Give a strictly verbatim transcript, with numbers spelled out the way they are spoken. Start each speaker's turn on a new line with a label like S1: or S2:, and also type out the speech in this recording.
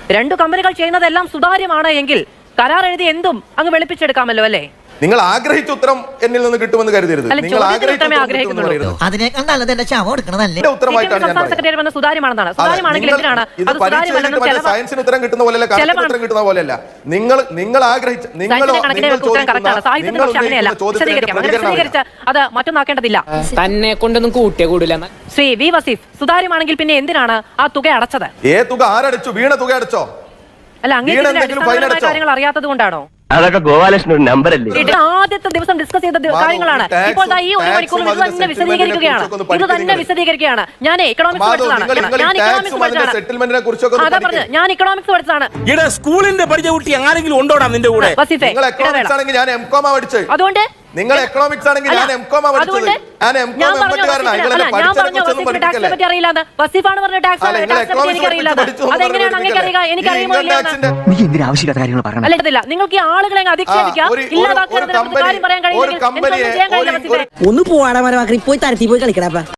S1: രണ്ടു കമ്പനികൾ ചെയ്യുന്നതെല്ലാം സുതാര്യമാണ് എങ്കിൽ കരാർ എഴുതി എന്തും അങ്ങ് വെളുപ്പിച്ചെടുക്കാമല്ലോ അല്ലേ?
S2: നിങ്ങൾ ആഗ്രഹിച്ച ഉത്തരം എന്നിൽ നിന്ന് കിട്ടുമെന്ന് കരുതരുത്. നിങ്ങൾ
S1: സുതാര്യമാണെന്നാണ്. സുതാര്യമാണെങ്കിൽ എന്തിനാണ്
S2: സയൻസിന് ഉത്തരം കിട്ടുന്ന പോലെയല്ല, കണക്കിന് ഉത്തരം കിട്ടുന്ന പോലെയല്ല. നിങ്ങൾ നിങ്ങൾ ആഗ്രഹിച്ച നിങ്ങൾ
S1: അത് മറ്റൊന്നാക്കേണ്ടതില്ല.
S3: തന്നെ കൊണ്ടൊന്നും കൂട്ടിയ കൂടില്ല.
S1: ശ്രീ വി വസീഫ്, സുതാര്യമാണെങ്കിൽ പിന്നെ എന്തിനാണ് ആ തുക അടച്ചത്?
S2: ഏ തുക ആരടച്ചു? വീണ തുക അടച്ചോ?
S1: അല്ല, അങ്ങനെ കാര്യങ്ങൾ അറിയാത്തത് കൊണ്ടാണോ?
S4: അതൊക്കെ ഗോപാലകൃഷ്ണൻ ഒരു നമ്പർ അല്ലേ?
S1: ആദ്യത്തെ ദിവസം ഡിസ്കസ് ചെയ്ത കാര്യങ്ങളാണ്. ഇപ്പോൾ ഈ ഒരു മണിക്കൂർ ഇത് തന്നെ വിശദീകരിക്കുകയാണ്. ഇത് തന്നെ വിശദീകരിക്കുകയാണ്. ഞാൻ എക്കണോമിക്സ് പഠിച്ചതാണ്. ഞാൻ ഇക്കണോമിക്സ് പഠിച്ചതാണ്. അതാ പറഞ്ഞു, ഞാൻ ഇക്കണോമിക്സ് പഠിച്ചതാണ്.
S5: സ്കൂളിന്റെ പഠിച്ച കുട്ടി ആരെങ്കിലും ഉണ്ടോടാ നിന്റെ കൂടെ?
S1: അതുകൊണ്ട്
S2: നിങ്ങൾ എക്കണോമിക്സ് ആണെങ്കിൽ ഞാൻ എംകോമാ പഠിച്ചത്. ഞാൻ എംകോം എംഎക്കാരനാണ്. നിങ്ങൾ പഠിച്ചതിനെക്കുറിച്ചൊന്നും പഠിപ്പിക്കില്ല.
S1: പറ്റി അറിയില്ല. വസീഫാണ് പറഞ്ഞ ടാക്സ് പറ്റി എനിക്കറിയില്ല. അതെങ്ങനെയാണ് അങ്ങനെ അറിയുക? എനിക്കറിയുമോ ഇല്ല?
S4: നീ എന്തിനാ ആവശ്യമില്ലാത്ത കാര്യങ്ങൾ പറയണം?
S1: അല്ല, നിങ്ങൾക്ക് ഈ ആളുകളെ അധിക്ഷേപിക്കാം, ഇല്ലാതാക്കാൻ കാര്യം പറയാൻ കഴിയില്ല.
S5: ഒന്ന് പോവാടാ, പോയി തരത്തി പോയി കളിക്കടാ.